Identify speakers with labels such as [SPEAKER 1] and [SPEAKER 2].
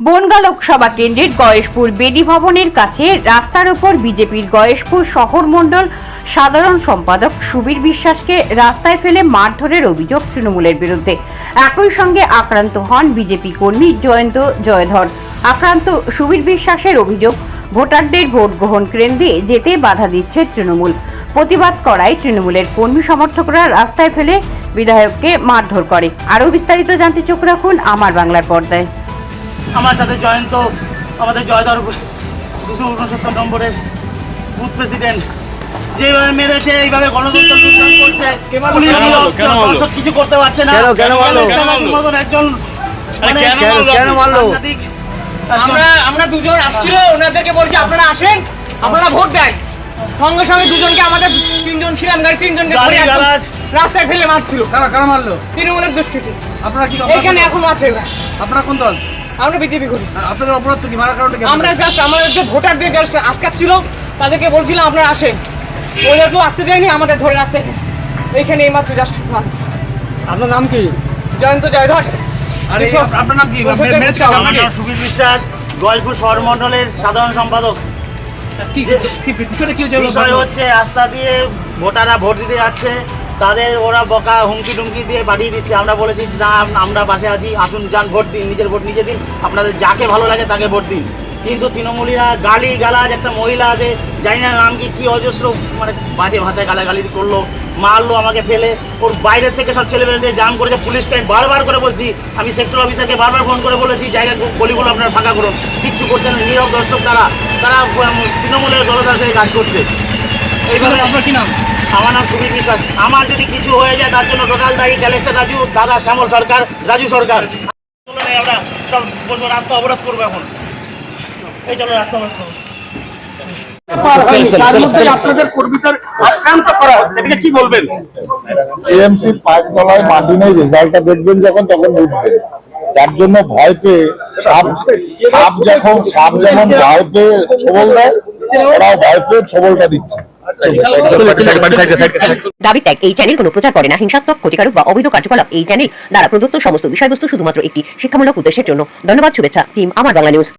[SPEAKER 1] বনগাঁ লোকসভা কেন্দ্রের গয়েশপুর বেদি ভবনের কাছে রাস্তার উপর বিজেপির গয়েশপুর শহর মণ্ডল সাধারণ সম্পাদক সুবীর বিশ্বাসকে রাস্তায় ফেলে মারধরের অভিযোগ তৃণমূলের বিরুদ্ধে। একই সঙ্গে আক্রান্ত হন বিজেপি কর্মী জয়ন্ত জয়ধর। আক্রান্ত সুবীর বিশ্বাসের অভিযোগ, ভোটারদের ভোট গ্রহণ কেন্দ্রে যেতে বাধা দিচ্ছে তৃণমূল। প্রতিবাদ করায় তৃণমূলের কর্মী সমর্থকরা রাস্তায় ফেলে বিধায়ককে মারধর করে। আরও বিস্তারিত জানতে চোখ রাখুন আমার বাংলার পর্দায়।
[SPEAKER 2] আমার সাথে জয়ন্ত, আমাদের জয়ধর 269 নম্বরের বুথ প্রেসিডেন্ট, যেভাবে মেরেছে, এইভাবে গণতন্ত্র লুণ্ঠন করছে, দর্শক কিছু করতে পারছে না। মতন একজন সাংঘাতিক।
[SPEAKER 3] আমরা দুজন আসছিল, ওনাদেরকে বলছি আপনারা আসেন, আপনারা ভোট দেন। সঙ্গে সঙ্গে দুজনকে, আমাদের তিনজন ছিলাম, তিনজনকে রাস্তায় ফেলে মারছিল।
[SPEAKER 4] কারা মারলো?
[SPEAKER 3] তৃণমূলের দুষ্কৃতী।
[SPEAKER 4] আপনারা কি
[SPEAKER 3] এখানে এখন আছে ওরা?
[SPEAKER 4] আপনারা কোন দল?
[SPEAKER 3] আমরা বিজেপি করি।
[SPEAKER 4] আপনাদের অপরাধ কি? মারার কারণটা কি?
[SPEAKER 3] আমরা জাস্ট আমাদের যে ভোটারদের জাস্ট আটকাচ্ছিল, তাদেরকে বলছিলাম আপনারা আসেন, ওদেরকেও আসতে দেয়নি, আমাদের ধরে রাস্তায় এইখানে এইমাত্র জাস্ট।
[SPEAKER 4] আপনার নাম কি?
[SPEAKER 3] জয়ন্ত জয়ধর।
[SPEAKER 4] আপনার নাম কি?
[SPEAKER 2] আমার নাম সুবীর বিশ্বাস, গয়েশপুর শহর মণ্ডলের সাধারণ সম্পাদক। বিষয় হচ্ছে, রাস্তা দিয়ে ভোটাররা ভোট দিতে যাচ্ছে, তাদের ওরা বকা হুমকি টুমকি দিয়ে পাঠিয়ে দিচ্ছে। আমরা বলেছি না, আমরা পাশে আছি, আসুন যান, ভোট দিন, নিজের ভোট নিজে দিন, আপনাদের যাকে ভালো লাগে তাকে ভোট দিন। কিন্তু তৃণমূলীরা গালি গালাজ, একটা মহিলা আছে, জানি না নাম কি অজস্র মানে বাজে ভাষায় গালাগালি করলো, মারলো আমাকে ফেলে। ওর বাইরের থেকে সব ছেলেমেয়েদের জাম করেছে। পুলিশকে আমি বারবার করে বলছি, আমি সেক্টর অফিসারকে বারবার ফোন করে বলেছি জায়গা গলিগুলো আপনারা ফাঁকা করুন, কিচ্ছু করছে না। নীরব দর্শক তারা তৃণমূলের দলদার সাথে কাজ করছে। এইভাবে।
[SPEAKER 4] আপনার কি নাম?
[SPEAKER 2] আমার নাম সুবীর বিশ্বাস। আমার যদি কিছু হয়ে যায় তার জন্য টোটাল দায়ী ক্যালেস্টার রাজু, দাদা শ্যামল সরকার, রাজু সরকার। আমরা সব বলবো, রাস্তা অবরোধ করবো এখন। এই চলো, রাস্তা অবরোধ করবো।
[SPEAKER 5] আপনাদের কর্মীদের আক্রান্ত করা হচ্ছে, এটাকে কি বলবেন?
[SPEAKER 6] টিএমসি পাঁচ তলায় মাটি নেই, রেজাল্টটা দেখবেন যখন, তখন বুঝবেন। যার জন্য ভয় পেয়ে সাপ যেমন ভয় পেয়ে ছবল দেয়, ওরাও ভয় পেয়ে ছবলটা দিচ্ছে।
[SPEAKER 7] দাবি ত্যাগ। এই চ্যানেল কোনো প্রচার করে না হিংসাত্মক, ক্ষতিকারক বা অবৈধ কার্যকলাপ। এই চ্যানেল দ্বারা প্রদত্ত সমস্ত বিষয়বস্তু শুধুমাত্র একটি শিক্ষামূলক উদ্দেশ্যের জন্য। ধন্যবাদ। শুভেচ্ছা টিম আমার বাংলা নিউজ।